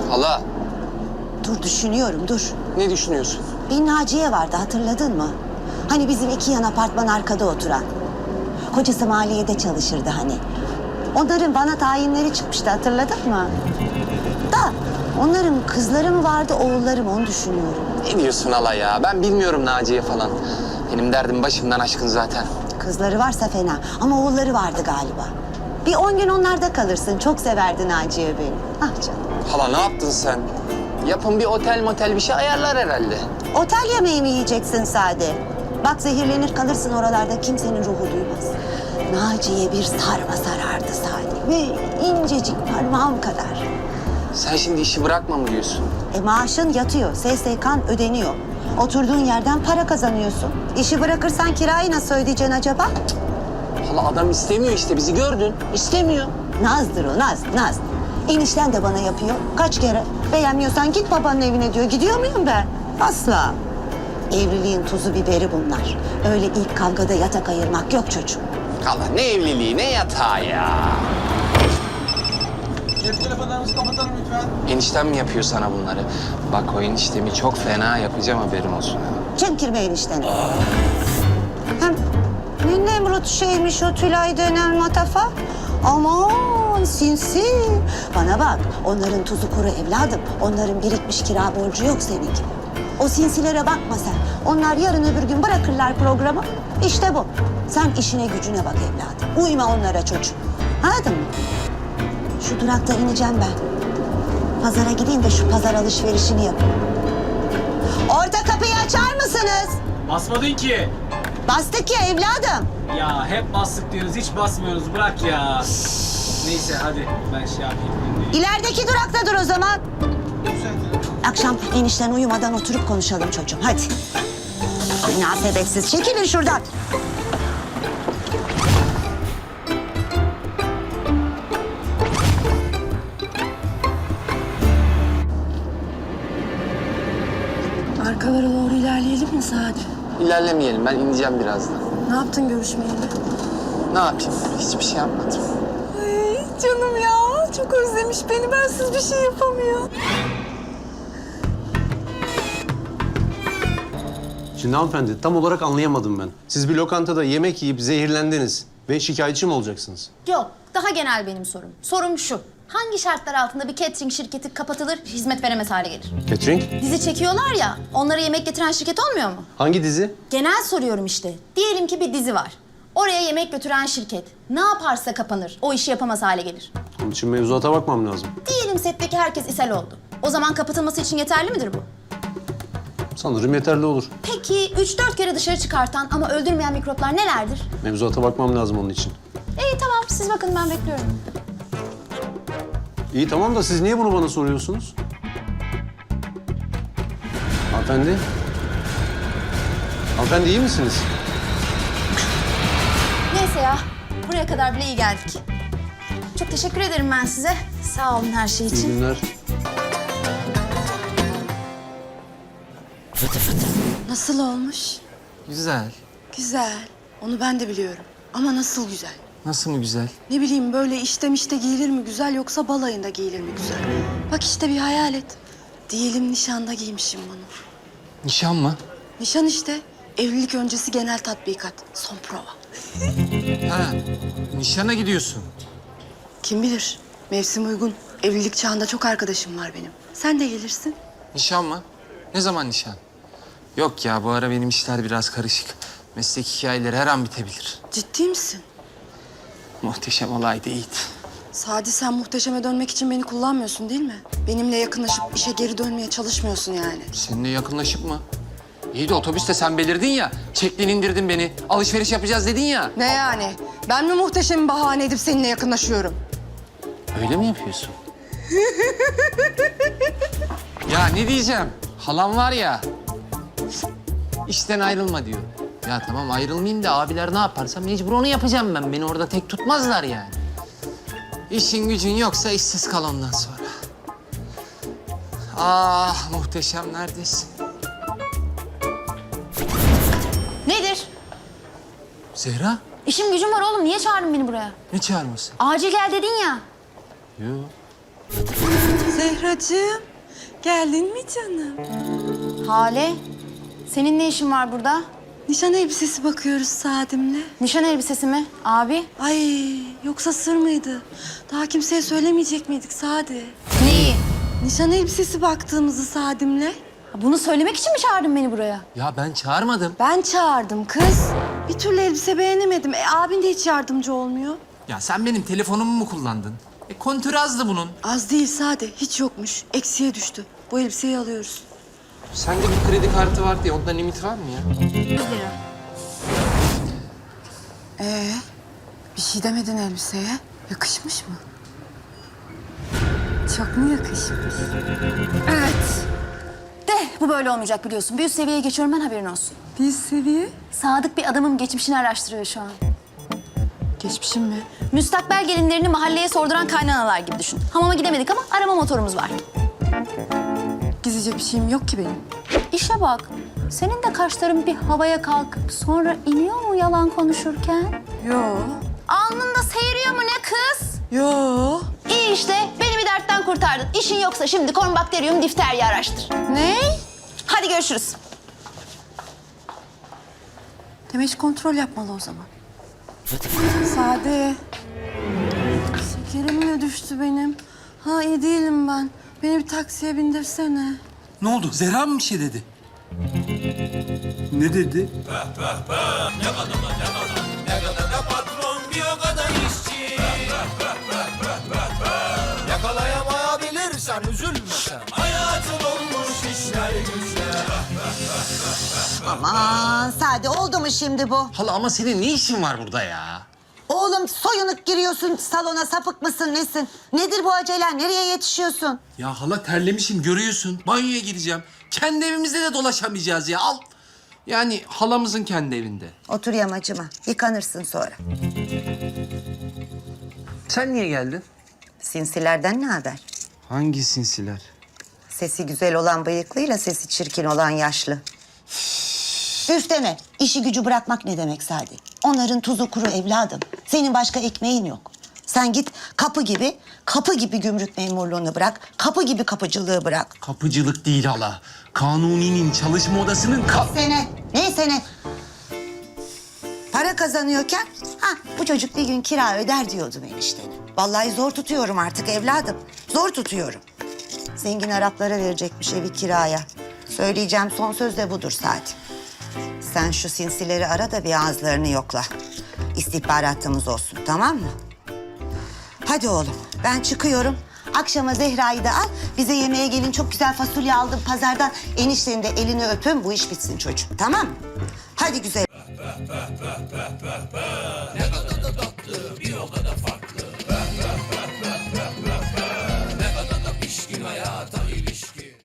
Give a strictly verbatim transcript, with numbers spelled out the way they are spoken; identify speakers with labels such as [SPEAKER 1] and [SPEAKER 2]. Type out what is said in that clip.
[SPEAKER 1] Hala.
[SPEAKER 2] Dur düşünüyorum dur.
[SPEAKER 1] Ne düşünüyorsun?
[SPEAKER 2] Bir Naciye vardı hatırladın mı? Hani bizim iki yan apartman arkada oturan. Kocası maliyede çalışırdı hani. Onların bana tayinleri çıkmıştı hatırladın mı? Da onların kızları mı vardı oğulları mı onu düşünüyorum.
[SPEAKER 1] Ne diyorsun hala ya? Ben bilmiyorum Naciye falan. Benim derdim başımdan aşkın zaten.
[SPEAKER 2] Kızları varsa fena ama oğulları vardı galiba. Bir on gün onlarda kalırsın. Çok severdi Naciye beni. Ah canım.
[SPEAKER 1] Hala ne yaptın sen? Yapın bir otel motel bir şey ayarlar herhalde.
[SPEAKER 2] Otel yemeği mi yiyeceksin Sade? Bak zehirlenir kalırsın oralarda kimsenin ruhu duymaz. Naciye bir sarma sarardı Sade. Ve incecik parmağım kadar.
[SPEAKER 1] Sen şimdi işi bırakma mı diyorsun?
[SPEAKER 2] E maaşın yatıyor, S S K'n ödeniyor. Oturduğun yerden para kazanıyorsun. İşi bırakırsan kirayı nasıl ödeyeceksin acaba?
[SPEAKER 1] Hala adam istemiyor işte bizi gördün. İstemiyor.
[SPEAKER 2] Nazdır o, naz, naz. Enişten de bana yapıyor. Kaç kere beğenmiyorsan git babanın evine diyor. Gidiyor muyum ben? Asla. Evliliğin tuzu biberi bunlar. Öyle ilk kavgada yatak ayırmak yok çocuğum.
[SPEAKER 1] Hala ne evliliği ne yatağı ya.
[SPEAKER 3] Cep telefonlarınızı kapatalım lütfen.
[SPEAKER 1] Eniştem mi yapıyor sana bunları? Bak o eniştemi çok fena yapacağım haberin olsun.
[SPEAKER 2] Çemkirme enişteni. Hem ne Nemrut şeymiş o Tülay denen matafa. Aman sinsi. Bana bak onların tuzu kuru evladım. Onların birikmiş kira borcu yok senin gibi. O sinsilere bakma sen. Onlar yarın öbür gün bırakırlar programı. İşte bu. Sen işine gücüne bak evladım. Uyma onlara çocuğum. Anladın mı? Şu durakta ineceğim ben. Pazara gideyim de şu pazar alışverişini yapayım. Orta kapıyı açar mısınız?
[SPEAKER 3] Basmadın ki.
[SPEAKER 2] Bastık ya evladım.
[SPEAKER 3] Ya hep bastık diyoruz, hiç basmıyoruz. Bırak ya. Neyse hadi ben şey yapayım.
[SPEAKER 2] İlerideki durakta dur o zaman. Akşam enişten uyumadan oturup konuşalım çocuğum. Hadi. Münasebetsiz. Çekilin şuradan.
[SPEAKER 4] Arkalara doğru ilerleyelim mi Sadi?
[SPEAKER 1] İlerlemeyelim ben ineceğim birazdan.
[SPEAKER 4] Ne yaptın görüşmeyeli?
[SPEAKER 1] Ne yapayım? Hiçbir şey yapmadım.
[SPEAKER 4] Ay canım ya, çok özlemiş beni. Bensiz bir şey yapamıyor.
[SPEAKER 5] Şimdi hanımefendi tam olarak anlayamadım ben. Siz bir lokantada yemek yiyip zehirlendiniz ve şikayetçi mi olacaksınız?
[SPEAKER 6] Yok, daha genel benim sorum. Sorum şu. Hangi şartlar altında bir catering şirketi kapatılır, hizmet veremez hale gelir?
[SPEAKER 5] Catering?
[SPEAKER 6] Dizi çekiyorlar ya, onlara yemek getiren şirket olmuyor mu?
[SPEAKER 5] Hangi dizi?
[SPEAKER 6] Genel soruyorum işte. Diyelim ki bir dizi var. Oraya yemek götüren şirket ne yaparsa kapanır, o işi yapamaz hale gelir.
[SPEAKER 5] Onun için mevzuata bakmam lazım.
[SPEAKER 6] Diyelim setteki herkes ishal oldu. O zaman kapatılması için yeterli midir bu?
[SPEAKER 5] Sanırım yeterli olur.
[SPEAKER 6] Peki üç dört kere dışarı çıkartan ama öldürmeyen mikroplar nelerdir?
[SPEAKER 5] Mevzuata bakmam lazım onun için.
[SPEAKER 6] İyi tamam, siz bakın ben bekliyorum.
[SPEAKER 5] İyi tamam da siz niye bunu bana soruyorsunuz? Hanımefendi? Hanımefendi iyi misiniz?
[SPEAKER 6] Neyse ya, buraya kadar bile iyi geldik. Çok teşekkür ederim ben size. Sağ olun her şey
[SPEAKER 5] İyi
[SPEAKER 6] için.
[SPEAKER 5] günler.
[SPEAKER 4] Nasıl olmuş?
[SPEAKER 1] Güzel.
[SPEAKER 4] Güzel. Onu ben de biliyorum. Ama nasıl güzel?
[SPEAKER 1] Nasıl mı güzel?
[SPEAKER 4] Ne bileyim böyle işte mişte giyilir mi güzel yoksa balayında giyilir mi güzel? Bak işte bir hayal et. Diyelim nişanda giymişim bunu.
[SPEAKER 1] Nişan mı?
[SPEAKER 4] Nişan işte. Evlilik öncesi genel tatbikat. Son prova.
[SPEAKER 1] Ha, nişana gidiyorsun.
[SPEAKER 4] Kim bilir? Mevsim uygun. Evlilik çağında çok arkadaşım var benim. Sen de gelirsin.
[SPEAKER 1] Nişan mı? Ne zaman nişan? Yok ya bu ara benim işler biraz karışık. Meslek hikayeleri her an bitebilir.
[SPEAKER 4] Ciddi misin?
[SPEAKER 1] Muhteşem olaydı Yiğit.
[SPEAKER 4] Sadi sen muhteşeme dönmek için beni kullanmıyorsun değil mi? Benimle yakınlaşıp işe geri dönmeye çalışmıyorsun yani.
[SPEAKER 1] Seninle yakınlaşıp mı? İyi de otobüste sen belirdin ya. Çektin indirdin beni. Alışveriş yapacağız dedin ya.
[SPEAKER 4] Ne yani? Ben mi muhteşemi bahane edip seninle yakınlaşıyorum?
[SPEAKER 1] Öyle mi yapıyorsun? Ya ne diyeceğim? Halam var ya. İşten ayrılma diyor. Ya tamam ayrılmayayım da abiler ne yaparsa mecbur onu yapacağım ben. Beni orada tek tutmazlar yani. İşin gücün yoksa işsiz kal ondan sonra. Ah muhteşem neredesin?
[SPEAKER 6] Nedir?
[SPEAKER 1] Zehra
[SPEAKER 6] İşim gücüm var oğlum. Niye çağırdın beni buraya?
[SPEAKER 1] ne çağırması?
[SPEAKER 6] Acil gel dedin ya.
[SPEAKER 1] Yok.
[SPEAKER 4] Zehra. Zehracığım, geldin mi canım?
[SPEAKER 6] Hale, senin ne işin var burada?
[SPEAKER 4] Nişan elbisesi bakıyoruz Sadim'le.
[SPEAKER 6] Nişan elbisesi mi? Abi.
[SPEAKER 4] Ay, yoksa sır mıydı? Daha kimseye söylemeyecek miydik Sadi?
[SPEAKER 6] Neyi?
[SPEAKER 4] Nişan elbisesi baktığımızı Sadim'le.
[SPEAKER 6] Bunu söylemek için mi çağırdın beni buraya?
[SPEAKER 1] Ya ben çağırmadım.
[SPEAKER 4] Ben çağırdım kız. Bir türlü elbise beğenemedim. E, abin de hiç yardımcı olmuyor.
[SPEAKER 1] Ya sen benim telefonumu mu kullandın? E kontür azdı bunun.
[SPEAKER 4] Az değil Sade, hiç yokmuş. Eksiye düştü. Bu elbiseyi alıyoruz.
[SPEAKER 1] Sende bir kredi kartı var diye ondan limit var mı ya?
[SPEAKER 6] yüz lira.
[SPEAKER 4] Ee, bir şey demedin elbiseye. Yakışmış mı? Çok mu yakışmış?
[SPEAKER 6] Evet. De bu böyle olmayacak biliyorsun. Bir üst seviyeye geçiyorum ben, haberin olsun.
[SPEAKER 4] Bir seviye.
[SPEAKER 6] Sadık bir adamın geçmişini araştırıyor şu an.
[SPEAKER 4] Geçmişim mi?
[SPEAKER 6] Müstakbel gelinlerini mahalleye sorduran kaynanalar gibi düşün. Hamama gidemedik ama arama motorumuz var.
[SPEAKER 4] Gizlice bir şeyim yok ki benim.
[SPEAKER 6] İşe bak. Senin de kaşların bir havaya kalkıp sonra iniyor mu yalan konuşurken?
[SPEAKER 4] Yo.
[SPEAKER 6] Alnında seyiriyor mu ne kız?
[SPEAKER 4] Yo.
[SPEAKER 6] İyi işte, beni bir dertten kurtardın. İşin yoksa şimdi kornbakteriyum difteriyi araştır.
[SPEAKER 4] Ne?
[SPEAKER 6] Hadi görüşürüz.
[SPEAKER 4] Demek kontrol yapmalı o zaman. Sade. Şekerim mi düştü benim? Ha iyi değilim ben. Beni bir taksiye bindirsene.
[SPEAKER 7] Ne oldu? Zehra mı bir şey dedi? Ne dedi?
[SPEAKER 8] Yakalayamayabilirsen üzülme sen. Hayatın olmuş işler güçler.
[SPEAKER 2] Aman Sade oldu mu şimdi bu?
[SPEAKER 1] Hala ama senin ne işin var burada ya?
[SPEAKER 2] Oğlum soyunup giriyorsun salona, sapık mısın nesin? Nedir bu acelen? Nereye yetişiyorsun?
[SPEAKER 7] Ya hala terlemişim görüyorsun. Banyoya gireceğim. Kendi evimizde de dolaşamayacağız ya. Al. Yani halamızın kendi evinde.
[SPEAKER 2] Otur yamacıma. Yıkanırsın sonra.
[SPEAKER 7] Sen niye geldin?
[SPEAKER 2] Sinsilerden ne haber?
[SPEAKER 7] Hangi sinsiler?
[SPEAKER 2] Sesi güzel olan bıyıklıyla sesi çirkin olan yaşlı. Üf deme. İşi gücü bırakmak ne demek Sadi? Onların tuzu kuru evladım. Senin başka ekmeğin yok. Sen git kapı gibi, kapı gibi gümrük memurluğunu bırak. Kapı gibi kapıcılığı bırak.
[SPEAKER 7] Kapıcılık değil hala. Kanuni'nin çalışma odasının kap...
[SPEAKER 2] Sene, neyse ne? Para kazanıyorken, ha bu çocuk bir gün kira öder diyordum eniştene. Vallahi zor tutuyorum artık evladım. Zor tutuyorum. Zengin Araplara verecekmiş evi kiraya. Söyleyeceğim son söz de budur Sadi. Sen şu sinsileri ara da bir ağızlarını yokla. İstihbaratımız olsun, tamam mı? Hadi oğlum, ben çıkıyorum. Akşama Zehra'yı da al. Bize yemeğe gelin. Çok güzel fasulye aldım pazardan. Eniştenin de elini öpün. Bu iş bitsin çocuğum, tamam mı? Hadi güzel.